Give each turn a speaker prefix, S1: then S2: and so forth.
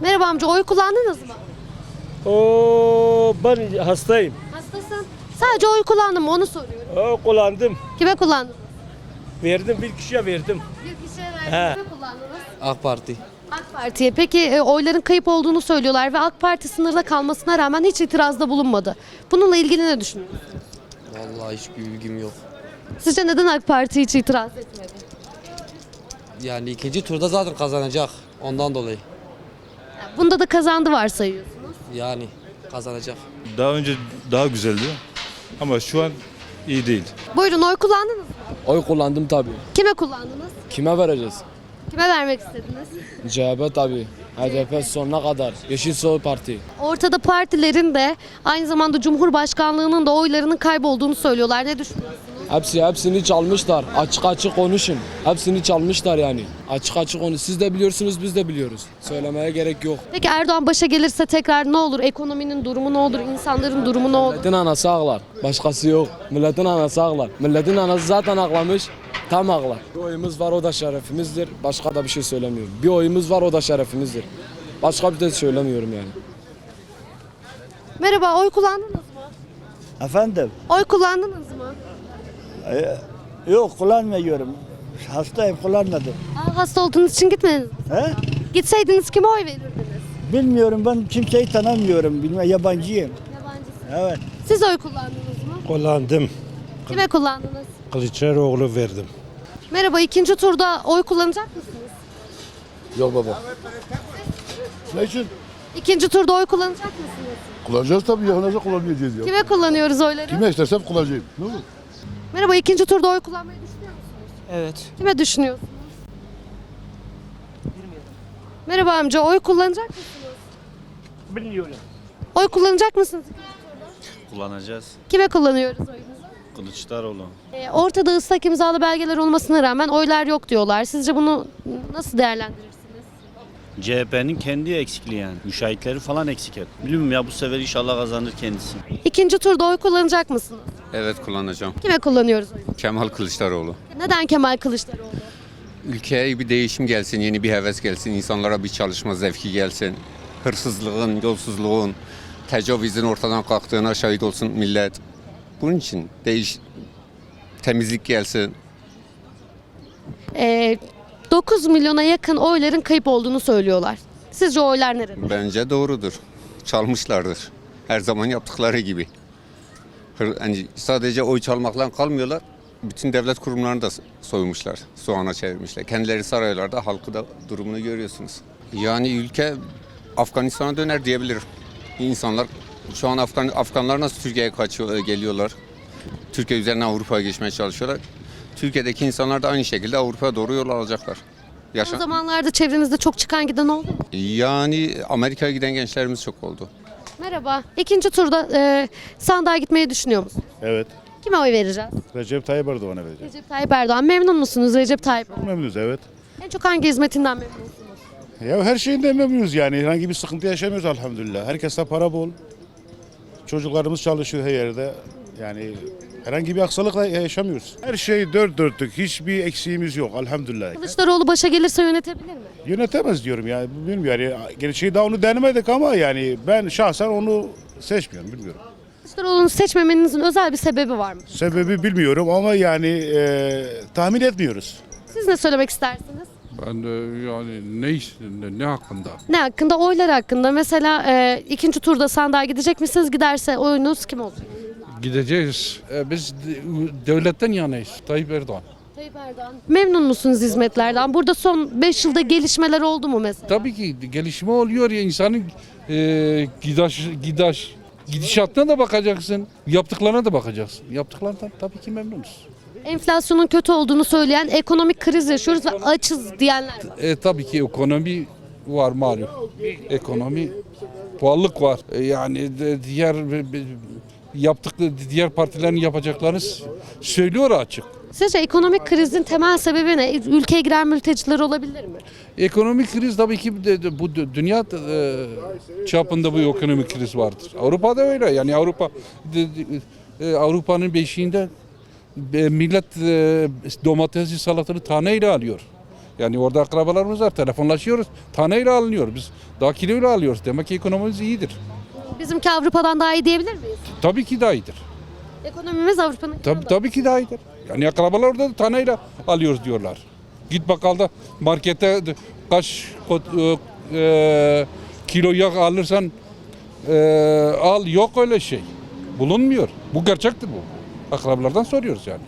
S1: Merhaba amca, oy kullandınız mı?
S2: Ben hastayım.
S1: Hastasın. Sadece oy kullandın mı onu soruyorum.
S2: Kullandım.
S1: Kime kullandınız?
S2: Verdim, bir kişiye verdim.
S1: Bir kişiye verdiniz.
S2: He.
S1: Kime kullandınız?
S3: AK Parti.
S1: AK Parti'ye. Peki oyların kayıp olduğunu söylüyorlar ve AK Parti sınırda kalmasına rağmen hiç itirazda bulunmadı. Bununla ilgili ne düşünüyorsunuz?
S3: Vallahi hiçbir bilgim yok.
S1: Sizce neden AK Parti hiç itiraz etmedi?
S3: Yani ikinci turda zaten kazanacak. Ondan dolayı.
S1: Bunda da kazandı varsayıyorsunuz.
S3: Yani kazanacak.
S4: Daha önce daha güzeldi ama şu an iyi değil.
S1: Buyurun, oy kullandınız mı?
S5: Oy kullandım tabii.
S1: Kime kullandınız?
S5: Kime vereceğiz?
S1: Kime vermek istediniz?
S5: CHP tabii. HDP sonuna kadar. Yeşil Sol Parti.
S1: Ortada partilerin de aynı zamanda Cumhurbaşkanlığının da oylarının kaybolduğunu söylüyorlar. Ne düşünüyorsunuz?
S5: Hepsini çalmışlar. Açık açık konuşun. Hepsini çalmışlar yani. Açık açık konuş. Siz de biliyorsunuz, biz de biliyoruz. Söylemeye gerek yok.
S1: Peki Erdoğan başa gelirse tekrar ne olur? Ekonominin durumu ne olur? İnsanların durumu ne olur?
S5: Milletin anası ağlar. Başkası yok. Milletin anası ağlar. Milletin anası zaten ağlamış. Tam ağlar. Bir oyumuz var, o da şerefimizdir. Başka da bir şey söylemiyorum. Bir oyumuz var, o da şerefimizdir. Başka bir şey söylemiyorum yani.
S1: Merhaba, oy kullandınız mı?
S6: Efendim?
S1: Oy kullandınız mı?
S6: Yok kullanmıyorum. Hastayım kullanmadım.
S1: Hasta olduğunuz için gitmediniz mi?
S6: He?
S1: Gitseydiniz kime oy verirdiniz?
S6: Bilmiyorum ben kimseyi tanımıyorum. Bilmem yabancıyım.
S1: Yabancısınız.
S6: Evet.
S1: Siz oy kullandınız mı?
S2: Kullandım.
S1: Kime kullandınız?
S2: Kılıçdaroğlu verdim.
S1: Merhaba, ikinci turda oy kullanacak mısınız?
S7: Yok baba. Ne için?
S1: İkinci turda oy kullanacak mısınız?
S7: Kullanacağız tabii ya. Nasıl kullanmayacağız ya?
S1: Kime kullanıyoruz oyları?
S7: Kime istersem kullanacağım. Ne olur?
S1: Merhaba, ikinci turda oy kullanmayı düşünüyor musunuz?
S3: Evet.
S1: Kime düşünüyorsunuz? Merhaba amca, oy kullanacak mısınız?
S2: Bilmiyorum.
S1: Oy kullanacak mısınız?
S4: Kullanacağız.
S1: Kime kullanıyoruz oyumuzu?
S4: Kılıçdaroğlu.
S1: Ortada ıslak imzalı belgeler olmasına rağmen oylar yok diyorlar. Sizce bunu nasıl değerlendirirsiniz?
S8: CHP'nin kendi eksikliği yani. Müşahitleri falan eksik hep. Bilmiyorum ya, bu sefer inşallah kazanır kendisi.
S1: İkinci turda oy kullanacak mısınız?
S9: Evet kullanacağım.
S1: Kime kullanıyoruz oyumuzu?
S9: Kemal Kılıçdaroğlu.
S1: Neden Kemal Kılıçdaroğlu?
S9: Ülkeye bir değişim gelsin, yeni bir heves gelsin, insanlara bir çalışma zevki gelsin. Hırsızlığın, yolsuzluğun, tecavüzün ortadan kalktığına şahit olsun millet. Bunun için temizlik gelsin.
S1: 9 milyona yakın oyların kayıp olduğunu söylüyorlar. Sizce oylar nerede?
S9: Bence doğrudur. Çalmışlardır. Her zaman yaptıkları gibi. Yani sadece oy çalmakla kalmıyorlar. Bütün devlet kurumlarını da soymuşlar. Soğana çevirmişler. Kendileri saraylarda, halkı da durumunu görüyorsunuz. Yani ülke Afganistan'a döner diyebilirim. İnsanlar şu an Afganlar nasıl Türkiye'ye geliyorlar. Türkiye üzerinden Avrupa'ya geçmeye çalışıyorlar. Türkiye'deki insanlar da aynı şekilde Avrupa'ya doğru yol alacaklar.
S1: O zamanlarda çevrenizde çok çıkan giden oldu mu?
S9: Yani Amerika'ya giden gençlerimiz çok oldu.
S1: Merhaba. İkinci turda sandığa gitmeyi düşünüyor musunuz?
S7: Evet.
S1: Kime oy vereceğiz?
S7: Recep Tayyip Erdoğan'a vereceğim.
S1: Recep Tayyip Erdoğan. Memnun musunuz Recep Tayyip Erdoğan?
S7: Memnunuz evet.
S1: En çok hangi hizmetinden memnunsunuz?
S7: Ya her şeyinden memnunuz yani. Herhangi bir sıkıntı yaşamıyoruz elhamdülillah. Herkeste para bol. Çocuklarımız çalışıyor her yerde. Yani herhangi bir aksilikla yaşamıyoruz. Her şey dört dörtlük. Hiçbir eksiğimiz yok elhamdülillah.
S1: Kılıçdaroğlu başa gelirse yönetebilir mi?
S7: Yönetemez diyorum yani. Bilmiyorum yani. Gerçeği daha onu denemedik ama yani ben şahsen onu seçmiyorum bilmiyorum.
S1: Kılıçdaroğlu'nu seçmemenizin özel bir sebebi var mı?
S7: Sebebi bilmiyorum ama yani tahmin etmiyoruz.
S1: Siz ne söylemek istersiniz?
S10: Ben de yani ne hakkında?
S1: Ne hakkında? Oylar hakkında. Mesela ikinci turda sandığa gidecek misiniz? Giderse oyunuz kim olacak?
S10: Gideceğiz. Biz devletten yanayız. Tayyip Erdoğan.
S1: Tayyip Erdoğan. Memnun musunuz hizmetlerden? Burada son 5 yılda gelişmeler oldu mu mesela?
S10: Tabii ki gelişme oluyor ya, insanın gidişatına da bakacaksın. Yaptıklarına da bakacaksın. Yaptıklarından tabii ki memnunuz.
S1: Enflasyonun kötü olduğunu söyleyen, ekonomik kriz yaşıyoruz ve açız diyenler var.
S10: Tabii ki ekonomi var malum. Ekonomi, pahalılık var. Yani diğer partilerin yapacaklarını söylüyor açık.
S1: Sizce ekonomik krizin temel sebebi ne? Ülkeye giren mülteciler olabilir mi?
S10: Ekonomik kriz tabii ki bu dünya çapında bu ekonomik kriz vardır. Avrupa'da öyle. Yani Avrupa'nın beşiğinde millet domatesli salatını taneyle alıyor. Yani orada akrabalarımız var. Telefonlaşıyoruz. Taneyle alınıyor. Biz daha kiloyla alıyoruz. Demek ki ekonomimiz iyidir.
S1: Bizimki Avrupa'dan daha iyi diyebilir miyiz?
S10: Tabii ki daha iyidir.
S1: Ekonomimiz Avrupa'nın
S10: Tabii ki daha iyidir. Yani akrabalar orada da taneyle alıyoruz diyorlar. Git bakkalda markette kaç kilo yağ alırsan al, yok öyle şey. Bulunmuyor. Bu gerçektir bu. Akrabalardan soruyoruz yani.